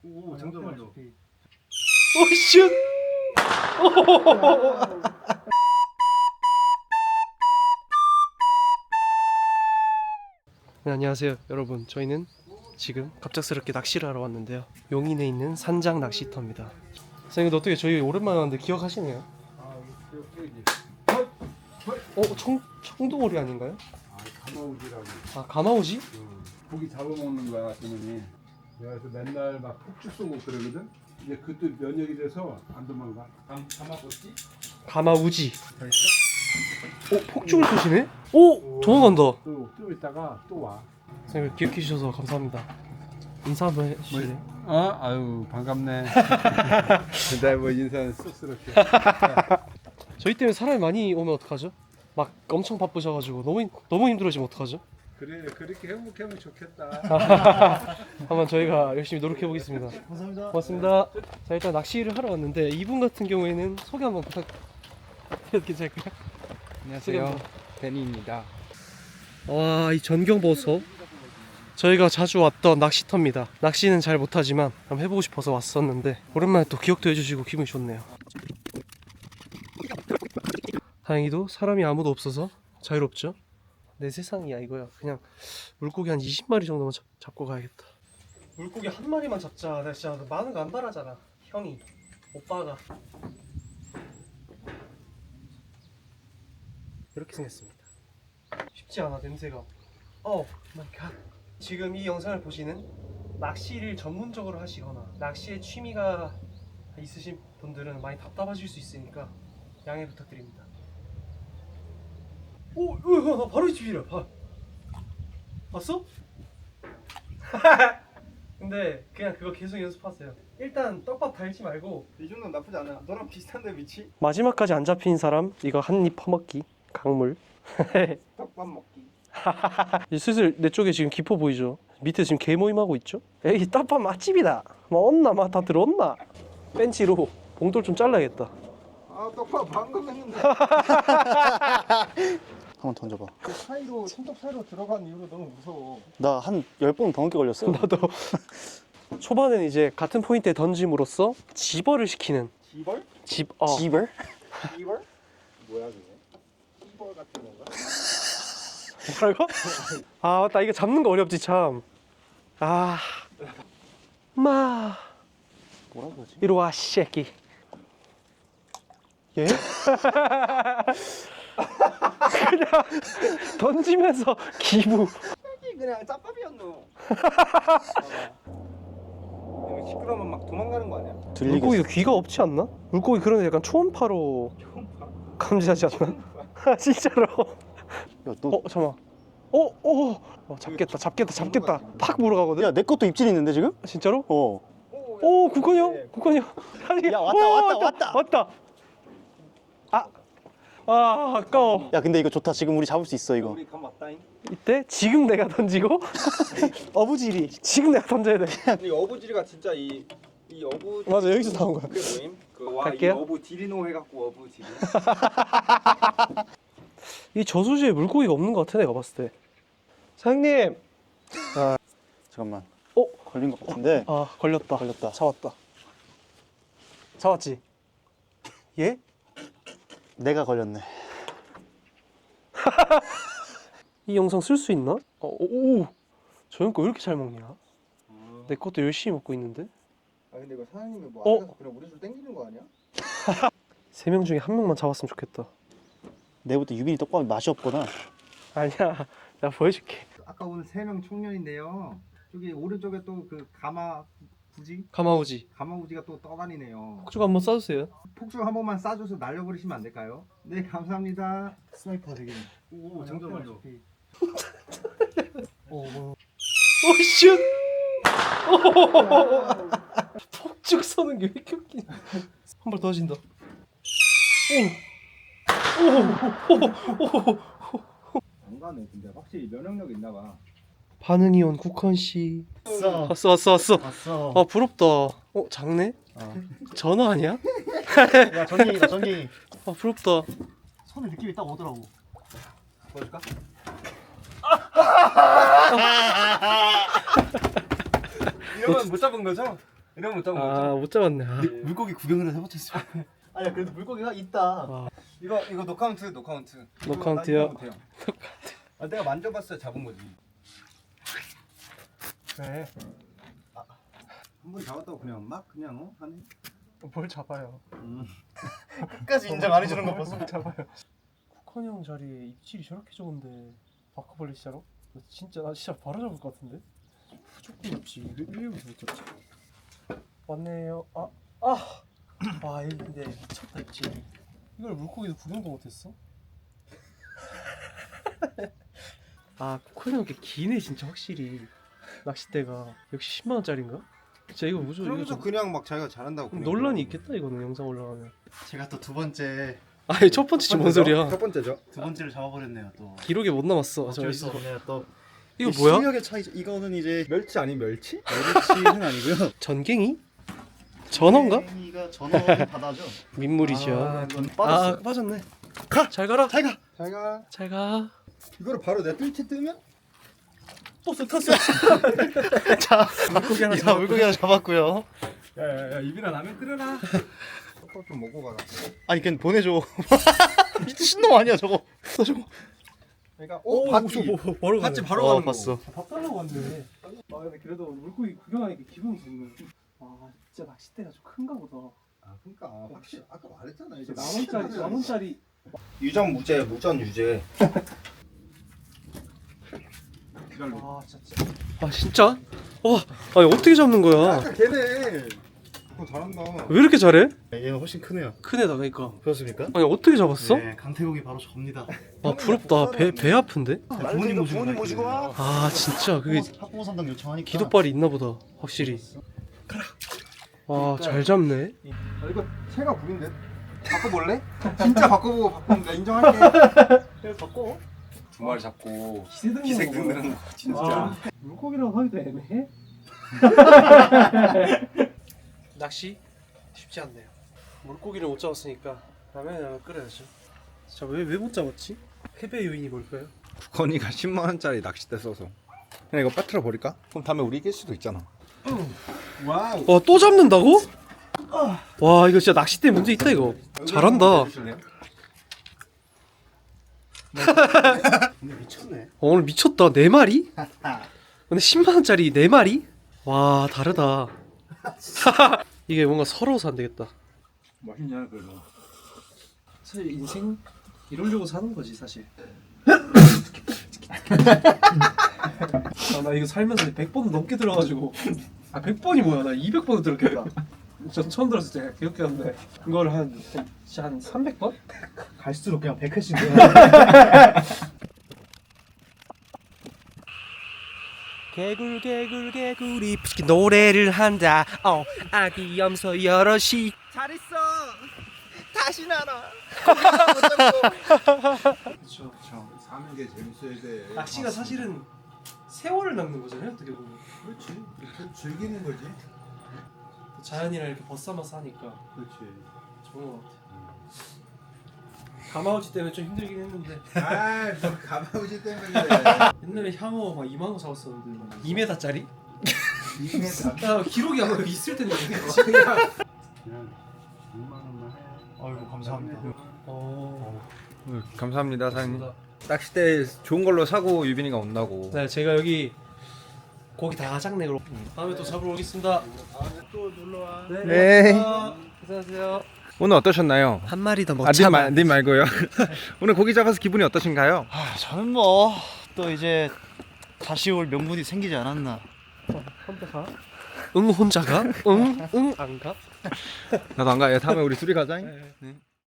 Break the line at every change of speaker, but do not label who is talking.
오, 장전만요.
오 슛! 네, 안녕하세요 여러분. 저희는 지금 갑작스럽게 낚시를 하러 왔는데요. 용인에 있는 산장 낚시터입니다. 선생님 어떻게 저희 오랜만에 왔는데 기억하시네요? 청도오리 아닌가요?
가마우지라고.
아 가마오지?
고기 잡아먹는 거야, 저놈이. 내가 그래서 맨날 막 폭죽 쏘고 그러거든. 이제 그것도 면역이 돼서 안 도망가. 가마우지?
가마우지. 폭죽을 쏘시네? 오! 도망간다.
좀 있다가 또 와.
선생님 기억해 주셔서 감사합니다. 인사 한번 해주실래요?
아유 반갑네. 근데 뭐 인사는 쑥스럽게.
저희 때문에 사람이 많이 오면 어떡하죠? 막 엄청 바쁘셔가지고 너무 힘들어지면 어떡하죠?
그래 그렇게 행복하면 좋겠다.
한번 저희가 열심히 노력해 보겠습니다.
감사합니다.
고맙습니다. 자 일단 낚시를 하러 왔는데 이분 같은 경우에는 소개 한번 부탁해도 괜찮을까요?
안녕하세요. 데니입니다.
와, 이 전경 보소. 저희가 자주 왔던 낚시터입니다. 낚시는 잘 못하지만 한번 해보고 싶어서 왔었는데 오랜만에 또 기억도 해주시고 기분이 좋네요. 다행히도 사람이 아무도 없어서 자유롭죠. 내 세상이야 이거야. 그냥 물고기 한 20마리 정도만 잡고 가야겠다. 물고기 한 마리만 잡자. 내가 진짜 많은 거 안 바라잖아. 형이, 오빠가 이렇게 생겼습니다. 쉽지 않아 냄새가. 마이 갓. 지금 이 영상을 보시는 낚시를 전문적으로 하시거나 낚시에 취미가 있으신 분들은 많이 답답하실 수 있으니까 양해 부탁드립니다. 나 바로 이 집이래. 봤어? 근데 그냥 그거 계속 연습하세요. 일단 떡밥 달지 말고.
이 정도는 나쁘지 않아. 너랑 비슷한데 위치?
마지막까지 안 잡힌 사람 이거 한 입 퍼먹기. 강물.
떡밥 먹기.
슬슬 내 쪽에 지금 기포 보이죠? 밑에 지금 개 모임하고 있죠? 에이 떡밥 맛집이다. 왔나 다 들어왔나? 벤치로 봉돌 좀 잘라야겠다.
아 떡밥 방금 했는데.
한번 던져봐.
그 사이로 손톱 사이로 들어간 이후로 너무 무서워.
나 한 10번 더 넘게 걸렸어.
나도. 초반에는 이제 같은 포인트에 던짐으로써 집어를 시키는.
지벌?
집어.
집을?
지벌? 뭐야 그게? 지벌 같은 건가?
뭐라고? 아 맞다, 이거 잡는 거 어렵지 참. 마
뭐라 그러지?
이리 와 새끼. 예? 그냥 던지면서 기부.
이게 그냥 짭밥이었노. 이거 시끄러우면 막 도망가는 거 아니야?
들리겠어.
물고기가 귀가 없지 않나? 물고기 그런데 약간 초음파로 감지하지 않나? 진짜로.
야, 너...
잠깐만. 잡겠다. 팍 물어가거든.
야, 내 것도 입질 있는데 지금?
진짜로?
어.
국건이 형.
야, 왔다.
왔다. 아까워.
야, 근데 이거 좋다. 지금 우리 잡을 수 있어 이거.
우리 감 맞다잉.
이때 지금 내가 던지고 어부지리 지금 내가 던져야 돼.
이 어부지리가 진짜 이 어부.
맞아, 여기서 나온 거야.
그게 뭐임? 이
갈게요.
어부 디리노 해갖고 어부지리.
이 저수지에 물고기가 없는 것 같아 내가 봤을 때. 사장님.
잠깐만.
어?
걸린 것 같은데.
걸렸다. 잡았지? 예?
내가 걸렸네.
이 영상 쓸 수 있나? 저 형 거 왜 이렇게 잘 먹냐? 내 것도 열심히 먹고 있는데?
근데 이거 사장님이 뭐 앞에서 그냥 우리 줄 땡기는 거 아니야?
3명 중에 1명만 잡았으면 좋겠다.
내부터 유빈이 떡밥이 맛이 없구나.
아니야, 내가 보여줄게.
아까 오늘 3명 청년인데요. 저기 오른쪽에 또 그
가마우지가
또 떠다니네요.
폭죽 한번 쏴주세요.
폭죽 한 번만 쏴줘서 날려버리시면 안 될까요? 네, 감사합니다. 스나이퍼 되게.
오, 장전만요.
슛! 폭죽 쏘는 게 왜 이렇게 웃기냐. 한 발 더 하신다.
안 가네. 근데 확실히 면역력 있나 봐.
반응이 온 국헌 씨. 왔어.
왔어.
부럽다. 작네? 전어 아니야?
야, 전갱이다, 전갱이.
부럽다.
손에 느낌이 딱 오더라고.
보여줄까? 이러면 못 잡은 거죠?
이러면 못 잡은
아 못 잡았네. 아.
물고기 구경을 해봤자 있어. 아니야 그래도 물고기가 있다.
이거 노카운트.
노카운트요.
아, 내가 만져봤어야 잡은 거지.
그래.
한 번 잡았다고 그냥 하네.
뭘 잡아요?
끝까지 인정 안 해주는 거 봤어.
뭘 잡아요? 쿠컨 형 자리에 입질이 저렇게 좋은데 바꿔볼래 진짜로? 나 진짜 바로 잡을 것 같은데? 무조건 잡지. 왜 못 잡지? 왔네요. 아 이거 근데 미쳤다 입질. 이걸 물고기도 구경도 못했어? 아 쿠컨 형 게 기네 진짜 확실히. 낚싯대가 역시 10만 원짜리인가? 진짜 이거 무슨 이거
그러면서
좀
그냥 막 자기가 잘한다고. 그냥
논란이 있겠다 이거는 영상 올라가면.
제가 또 두 번째
아니 첫 번째지 뭔 소리야?
첫 번째죠.
두 번째를 잡아버렸네요 또.
기록에 못 남았어.
어쩔 수 없네요 또.
이거 뭐야?
실력의 차이죠. 이거는 이제
멸치 아니 멸치?
멸치는 아니고요.
전갱이? 전어인가?
가 전어는 바다죠.
민물이죠.
아, 이건 빠졌어.
아 빠졌네. 잘 가라.
잘 가.
자기가
잘 가.
이거를 바로 내 뜰채 뜨면
또 탔어. 자,
물고기 하나
자, 물고기 하나 잡았고요.
야야야 입이나 라면 끓여라.
또 좀 먹고 가라.
아니 그냥 보내줘. 미친놈 아니야 저거. 저거.
그러니까
뭐, 바로
밭지
가네.
바로 가는 거.
봤어.
밥 달라고 왔네. 아 근데 그래도 물고기 구경하니까 기분이 좋네. 아 진짜 낚싯대가 좀 큰가 보다.
아 그러니까 확실히 아까 말했잖아. 이제
만 원짜리.
유전 무죄, 무전 유죄.
아 진짜. 아 진짜? 와, 아니 어떻게 잡는 거야?
아까 걔네. 그거 잘한다.
왜 이렇게 잘해?
얘는 훨씬 크네요.
큰 애다 그러니까.
그렇습니까?
아니 어떻게 잡았어?
네, 강태국이 바로 접니다.
아 부럽다. 배 아픈데?
부모님 모시고 와.
아 진짜 그게
학부모 상담 요청하니까.
기도발이 있나 보다. 확실히. 와 잘 잡네.
아, 이거 새가 구린데. 바꿔볼래? 진짜 바꿔보고 바꾸면 내가 인정할게.
그래 바꿔.
두 마리 잡고
기색
든다는 거 진짜.
아, 물고기라고 하기도 애매해. 낚시 쉽지 않네요. 물고기를 못 잡았으니까 라면을 끓여야죠. 자, 왜 못 잡았지? 패배 요인이 뭘까요?
건이가 10만 원짜리 낚싯대 써서. 그냥 이거 빠뜨려 버릴까? 그럼 다음에 우리 이길 수도 있잖아. 와우.
와, 또 잡는다고? 와, 이거 진짜 낚싯대 문제 있다 이거. 잘한다.
근데 미쳤네.
오늘 미쳤다. 4마리? 근데 10만 원짜리 4마리? 와, 다르다. 이게 뭔가 서러워서 안 되겠다.
맛있냐 그래도.
사실 인생 이러려고 사는 거지 사실. 나 이거 살면서 100번 넘게 들어가지고 100번이 뭐야, 나 200번을 들었겠다. 저 처음 들었을 때 기억하는데 그걸 한 300번?
갈수록 그냥 100회씩.
개굴이 노래를 한다. 아기 염소 여럿이
잘 있어. 다시 나라.
그렇죠.
사는 게 재밌어야 돼.
낚시가 사실은 세월을 낚는 거잖아요, 어떻게 보면.
그렇지. 즐기는 거지.
자연이랑 이렇게 벗삼아서 하니까
그렇지.
좋은 것 같아요. 가마우지 때문에 좀 힘들긴 했는데
아, 뭐 가마우지 때문에 그래.
옛날에 향어 막 2만 원 잡았었는데 2m짜리?
이게 다
야 기록이 아마 여기 있을 텐데
그냥 6만 원만 해.
아이고 감사합니다.
감사합니다, 사장님. 낚싯대 좋은 걸로 사고 유빈이가 온다고.
네, 제가 여기 고기 다 장내로 다음에 또 잡으러 오겠습니다.
또 놀러 와.
네.
안녕하세요.
오늘 어떠셨나요?
한 마리 더
님 말고요. 오늘 고기 잡아서 기분이 어떠신가요?
저는 뭐 또 이제 다시 올 명분이 생기지 않았나.
혼자 가? 응 혼자 가? 응 안 가?
나도 안 가. 다음에 우리 둘이 가자.
네.